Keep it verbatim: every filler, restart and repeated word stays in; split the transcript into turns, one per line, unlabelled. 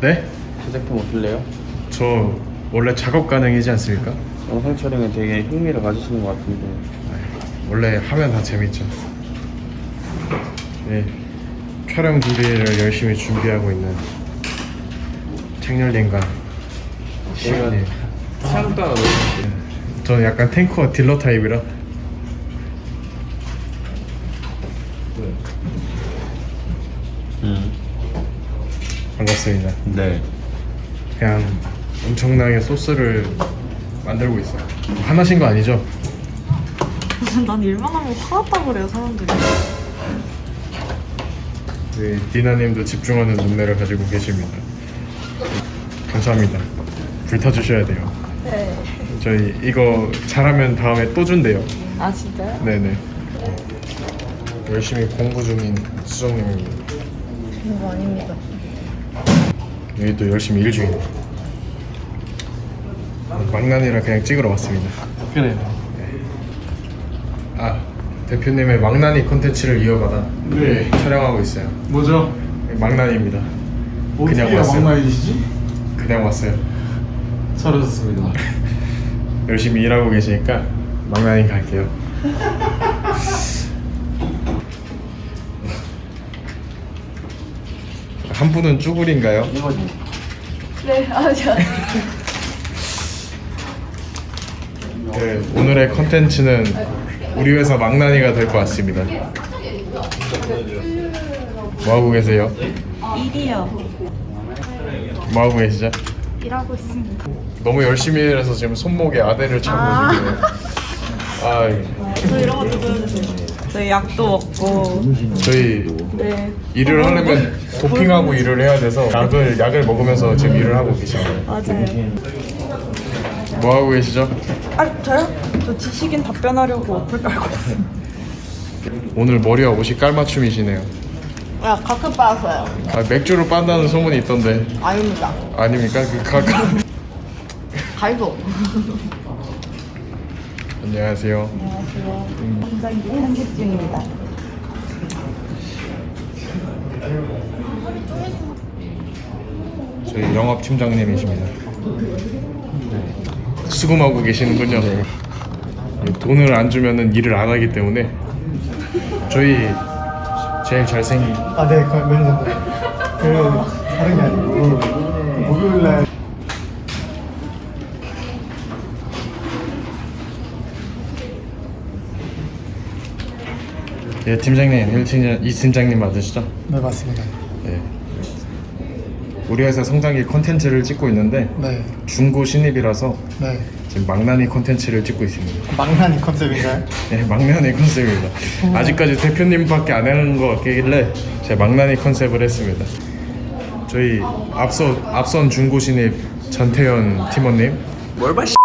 네?
제 제품 어떨래요?
저 원래 작업 가능이지 않습니까?
영상 촬영에 되게 흥미를 가지시는 것 같은데.
원래 하면 다 재밌죠. 네, 촬영 준비를 열심히 준비하고 있는 책렬님과 시간이.
사람도 안 하고.
저는 약간 탱커 딜러 타입이라.
음.
반갑습니다.
네.
그냥 엄청나게 소스를 만들고 있어요. 화나신 거 아니죠?
난 일만 하면 화났다고 그래요 사람들이.
네, 디나님도 집중하는 눈매를 가지고 계십니다. 감사합니다. 불타주셔야 돼요.
네.
저희 이거 잘하면 다음에 또 준대요.
아 진짜요?
네네. 열심히 공부 중인 수정님입니다.
그거 아닙니다.
여기 또 열심히 일 중이네. 망나니를 그냥 찍으러 왔습니다.
그래요.
아, 대표님의 망나니 콘텐츠를 이어받아
네.
촬영하고 있어요.
뭐죠?
망나니입니다. 그냥
어떻게
왔어요.
막나이시지?
그냥 왔어요.
잘하셨습니다.
열심히 일하고 계시니까 망나니 갈게요. 한 분은 쭈구리인가요?
이거지.
네, 아 저.
네, 오늘의 컨텐츠는 우리 회사 망나니가 될 것 같습니다. 뭐 하고 계세요?
일이요.
뭐 하고 계시죠?
일하고 있습니다.
너무 열심히 일해서 지금 손목에 아대를 차고
아.
지금. 아,
저 이런 것도 보여주세요. 저희 약도 먹고.
저희
네.
일을 하려면 도핑하고 일을 해야 돼서 약을 약을 먹으면서 지금 일을 하고 계십니다.
맞아요.
뭐 하고 계시죠?
아 저요? 저 지식인 답변하려고 어플 깔고 있어요.
오늘 머리와 옷이 깔맞춤이시네요.
야 가끔 빠서요.
아, 맥주로 빤다는 소문이 있던데
아닙니다.
아닙니까? 그 가끔.
갈도.
안녕하세요.
안녕하세요. 굉장히 한식 중입니다.
저희 영업 팀장님이십니다. 수금하고 계시는군요. 돈을 안 주면은 일을 안 하기 때문에 저희 제일 잘생긴
아, 네, 그 매니저인데. 그 다른 게 아니고 그 목요일 날
예, 팀장님, 일 팀장, 이 팀장님 맞으시죠?
네, 맞습니다.
네. 우리 회사 성장기 콘텐츠를 찍고 있는데
네,
중고 신입이라서
네.
지금 망나니 콘텐츠를 찍고 있습니다.
망나니 컨셉인가요?
네, 망나니 컨셉입니다. 아직까지 대표님밖에 안 하는 것 같길래 제가 망나니 컨셉을 했습니다. 저희 앞서 앞선 중고 신입 전태현 팀원님.
뭘 봐, 씨.